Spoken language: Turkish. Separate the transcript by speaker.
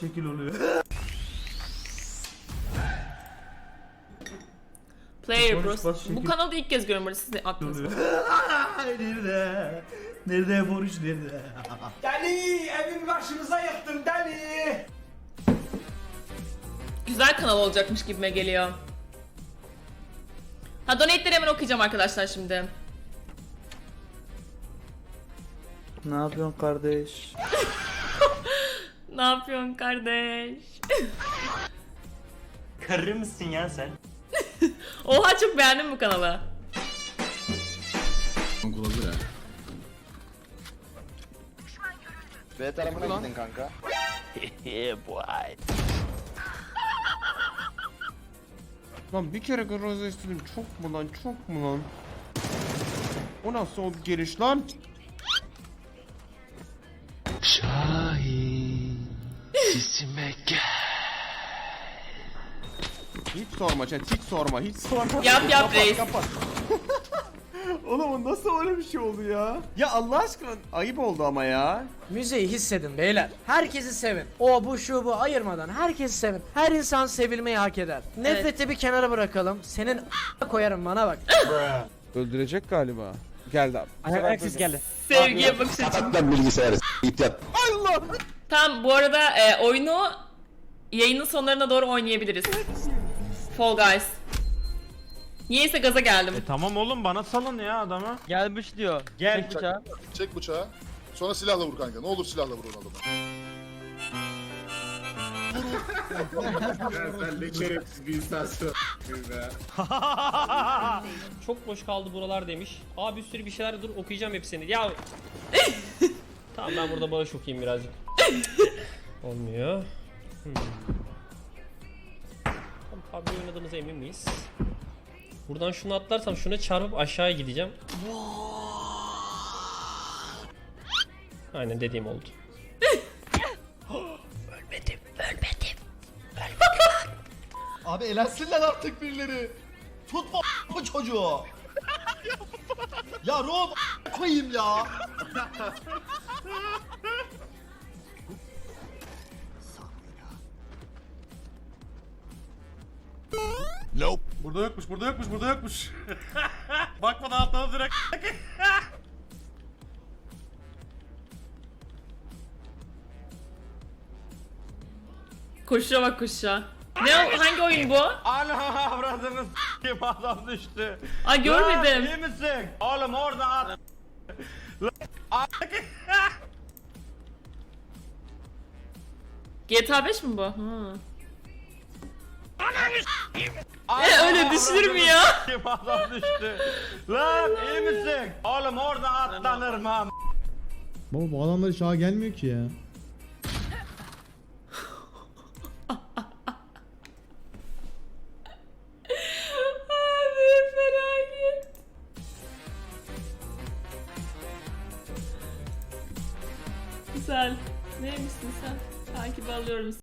Speaker 1: şekil oluyor.
Speaker 2: Player
Speaker 1: Boris
Speaker 2: Bros.
Speaker 1: bas
Speaker 2: Bu
Speaker 1: şekil.
Speaker 2: kanalda ilk kez görüyorum, siz de aklınızda.
Speaker 1: Nerede? Nerede Boris nerede?
Speaker 3: Deli evin başımıza yıktın deli.
Speaker 2: Güzel kanal olacakmış gibime geliyor. Ha, donate'leri hemen okuyacağım arkadaşlar şimdi.
Speaker 1: Ne yapıyorsun kardeş?
Speaker 2: Ne yapıyorsun kardeş?
Speaker 4: Karı mısın ya sen?
Speaker 2: Oha, çok beğendim bu kanalı.
Speaker 5: B tarafına gidin kanka.
Speaker 6: Lan bir kere garajda istedim, çok mu lan, çok mu lan? O nasıl oldu geliş lan?
Speaker 7: Şahin sesime gel.
Speaker 6: Hiç sorma chat, hiç sorma, hiç sorma.
Speaker 2: Yap
Speaker 6: Kapat,
Speaker 2: reis.
Speaker 6: kapat. Oğlum o nasıl öyle bir şey oldu ya? Ya Allah aşkına ayıp oldu ama ya.
Speaker 8: Müziği hissedin beyler. Herkesi sevin. O bu şu bu ayırmadan herkesi sevin. Her insan sevilmeyi hak eder. Nefreti bir kenara bırakalım. Senin koyarım bana bak.
Speaker 6: Öldürecek galiba. Geldi abi.
Speaker 8: Ayaksız geldi.
Speaker 2: Sevgiye bakış açım.
Speaker 5: Lan bilgisayarı git yat.
Speaker 6: Allah!
Speaker 2: Tamam, bu arada oyunu yayının sonlarına doğru oynayabiliriz. Fall Guys. Niyeyse gaza geldim.
Speaker 4: Tamam oğlum, bana salın ya adamı.
Speaker 8: Gelmiş diyor.
Speaker 4: Gel.
Speaker 9: Çek bıçağı. Sonra silahla vur kanka. Ne olur silahla vur onu adamı.
Speaker 3: Sen ne şerefsiz bir insansın be.
Speaker 10: Çok boş kaldı buralar demiş. Abi bir sürü bir şeyler, dur okuyacağım hepsini. Ya tamam, ben burada bağış okuyayım birazcık. Olmuyor. Tamam, PUBG oynadığımıza emin miyiz? Buradan şunu atlarsam şuna çarpıp aşağıya gideceğim. Aynen dediğim oldu. Ölmedim.
Speaker 5: Abi elensinler artık birileri. Tutma bu çocuğu. Ya Rob koyayım ya.
Speaker 1: Burada yokmuş, burada yokmuş, burada yokmuş. Bakmadan atladı direkt.
Speaker 2: Koşuşa bak, koşuşa. Ne o, hangi oyun bu?
Speaker 4: Ana avradını s**eyim, adam düştü.
Speaker 2: Ay, görmedim.
Speaker 4: Lan, iyi misin? Oğlum orada at.
Speaker 2: GTA 5 mi bu? Öyle düşülür mü ya?
Speaker 4: S**eyim, adam düştü. Lan iyi misin? Oğlum orada atlanır mı?
Speaker 7: Baba bu adamlar hiç ağa gelmiyor ki ya.
Speaker 2: Abi felaket. Güzel. Neymişsin sen? Takip alıyorum